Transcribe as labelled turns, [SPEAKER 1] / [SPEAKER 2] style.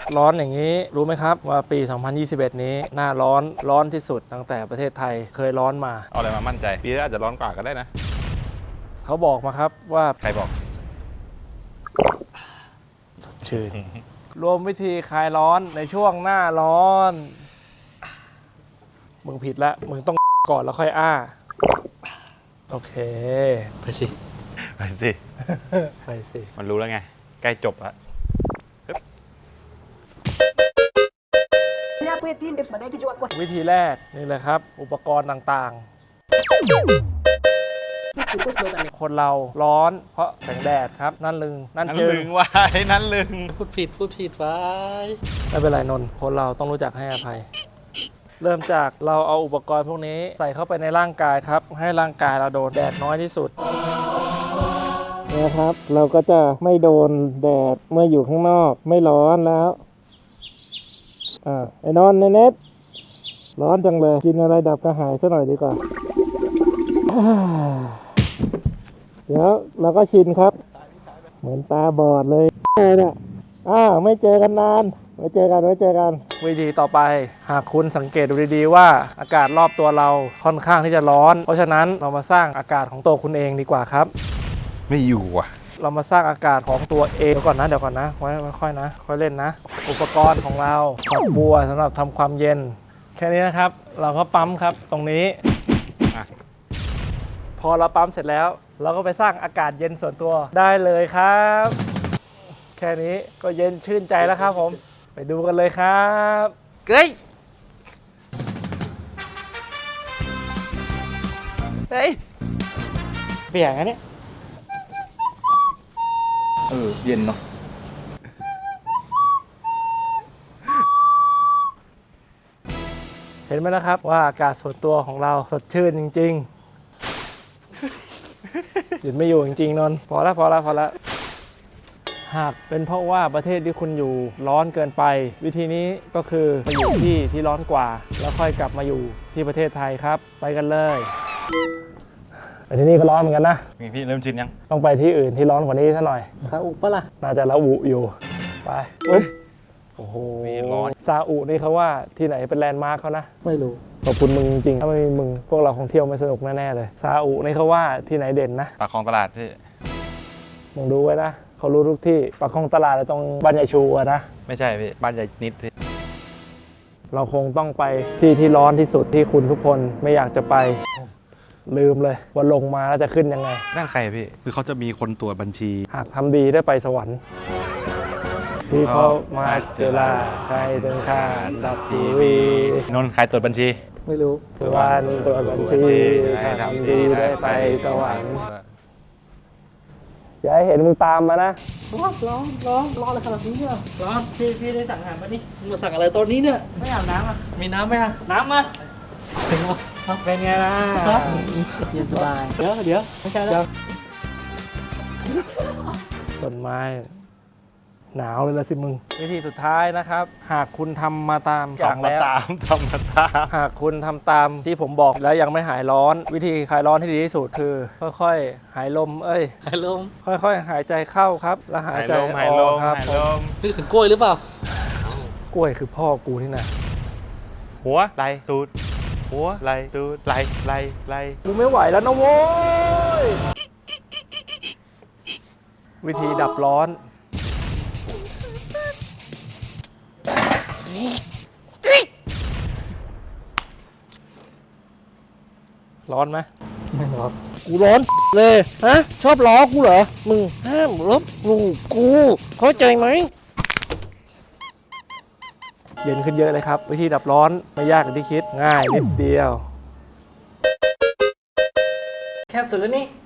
[SPEAKER 1] ร้อนอย่างนี้รู้ไหมครับว่าปี 2021 นี้หน้าร้อนที่สุดตั้งแต่ประเทศไทยเคยร้อนมา
[SPEAKER 2] เอาอะไรมามั่นใจปีหน้าอาจจะร้อนกว่าก็ได้นะ
[SPEAKER 1] เขาบอกมาครับว่า
[SPEAKER 2] ใครบอก
[SPEAKER 1] ชื่น รวมวิธีคลายร้อนในช่วงหน้าร้อนมึงผิดละมึงต้องก่อนแล้วค่อยอ้าโอเคไปสิ
[SPEAKER 2] ไปสิ
[SPEAKER 1] ไปสิ
[SPEAKER 2] มันรู้แล้วไงใกล้จบละ
[SPEAKER 1] วิธีแรกนี่เลยครับ อุปกรณ์ต่างๆ คนเราร้อนเพราะแสงแดดครับ นั่นลึงนั่น
[SPEAKER 2] นั้น
[SPEAKER 1] จึง
[SPEAKER 2] ลึงไว้นั้นลึง
[SPEAKER 1] พูดผิดไว้ไม่เป็นไรนนท์คนเราต้องรู้จักให้อภัย เริ่มจากเราเอาอุปกรณ์พวกนี้ใส่เข้าไปในร่างกายครับ ให้ร่างกายเราโดนแดดน้อยที่สุดนะครับ เราก็จะไม่โดนแดดเมื่ออยู่ข้างนอกไม่ร้อนแล้วไอ้นอนเน็ตร้อนจังเลยกินอะไรดับกระหายซะหน่อยดีกว่าเดี๋ยวเราก็ชินครับ เหมือนตาบอดเลยเนี่ยไม่เจอกันนานไว้เจอกันวิธีต่อไปหากคุณสังเกตดูดีๆว่าอากาศรอบตัวเราค่อนข้างที่จะร้อนเพราะฉะนั้นเรามาสร้างอากาศของตัวคุณเองดีกว่าครับ
[SPEAKER 2] ไม่อยู่อ่ะ
[SPEAKER 1] เรามาสร้างอากาศของตัวเองเดี๋ยวก่อนนะไว้ค่อยนะค่อยเล่นนะอุปกรณ์ของเราฝักบัวสำหรับทำความเย็นแค่นี้นะครับเราก็ปั๊มครับตรงนี้พอเราปั๊มเสร็จแล้วเราก็ไปสร้างอากาศเย็นส่วนตัวได้เลยครับแค่นี้ก็เย็นชื่นใจแล้วครับผมไปดูกันเลยครับเฮ้ยเปียกอันนี้
[SPEAKER 2] เย็นเนาะ
[SPEAKER 1] เห็นไหมนะครับว่าอากาศส่วนตัวของเราสดชื่นจริงๆหยุดไม่อยู่จริงๆนนท์พอแล้วหากเป็นเพราะว่าประเทศที่คุณอยู่ร้อนเกินไปวิธีนี้ก็คือไปอยู่ที่ร้อนกว่าแล้วค่อยกลับมาอยู่ที่ประเทศไทยครับไปกันเลยไปที่นี่ก็ร้อนเหมือนกันนะ
[SPEAKER 2] มีพี่เริ่มชินยัง
[SPEAKER 1] ต้องไปที่อื่นที่ร้อนกว่านี้ซะหน่อยซาอุปะล่ะน่าจะละอุอยู่ไปปุ๊บโอ้โห
[SPEAKER 2] ร้อน
[SPEAKER 1] ซาอุนี่เขาว่าที่ไหนเป็นแลนด์มาร์คเขานะไม่รู้ขอบคุณมึงจริงๆถ้าไม่มีมึงพวกเราคงเที่ยวไม่สนุกแน่ๆเลยซาอุนี่เขาว่าที่ไหนเด่นนะ
[SPEAKER 2] ปากคลองตลาดพี่
[SPEAKER 1] มึงดูไว้นะเขารู้ทุกที่ปากคลองตลาดตรงบ้านใหญ่ชูอะนะ
[SPEAKER 2] ไม่ใช่พี่บ้านใหญ่นิดพี่
[SPEAKER 1] เราคงต้องไปที่ร้อนที่สุดที่คุณทุกคนไม่อยากจะไปลืมเลยว่าลงมาแล้วจะขึ้นยังไง
[SPEAKER 2] นั่นใครพี่คือเขาจะมีคนตรวจบัญชี
[SPEAKER 1] หากทำดีได้ไปสวรรค์ที่เขามาเจอลาใครถึงข้าดับทีวี
[SPEAKER 2] นนท์ใครตรวจบัญชี
[SPEAKER 1] ไม่รู้วันตรวจบัญชีถ้าทำดีได้ไปสวรรค์อย่าให้เห็นมึงตามมานะร้อนอะไรขนาดนี้เนี่ยร้อนพี่ได้สั่งอาหารมานี่มาสั่งอะไรตอนนี้เนี่ยไม่อาบน้ำอ่ะมีน้ำไหมอ่ะน้ำมาถึงแล้วเป็นไงล่ะเย็นสบายเดี๋ยวไม่ใช่แล้วต้นไม้หนาวเลยละสิมึงวิธีสุดท้ายนะครับหากคุณทำมาตามอย่างแล้ว
[SPEAKER 2] ทำมาตาม
[SPEAKER 1] หากคุณทำตามที่ผมบอกแล้วยังไม่หายร้อนวิธีคลายร้อนที่ดีที่สุดคือค่อยๆหายลมหายลมค่อยๆหายใจเข้าครับแล้วหายใจออกครับนึกถึงกล้วยหรือเปล่ากล้วยคือพ่อกูนี่นะ
[SPEAKER 2] หัวไหลตูดหัวไหลตูดไหล
[SPEAKER 1] กูไม่ไหวแล้วนะโว้ยวิธีดับร้อนร้อนไหมไม่ร้อนกูร้อนเลยฮะชอบล้อกูเหรอมึงห้ามลบหลู่กูเข้าใจไหมเย็นขึ้นเยอะเลยครับวิธีดับร้อนไม่ยากอย่างที่คิดง่ายนิดเดียวแค่สุดแล้วนี่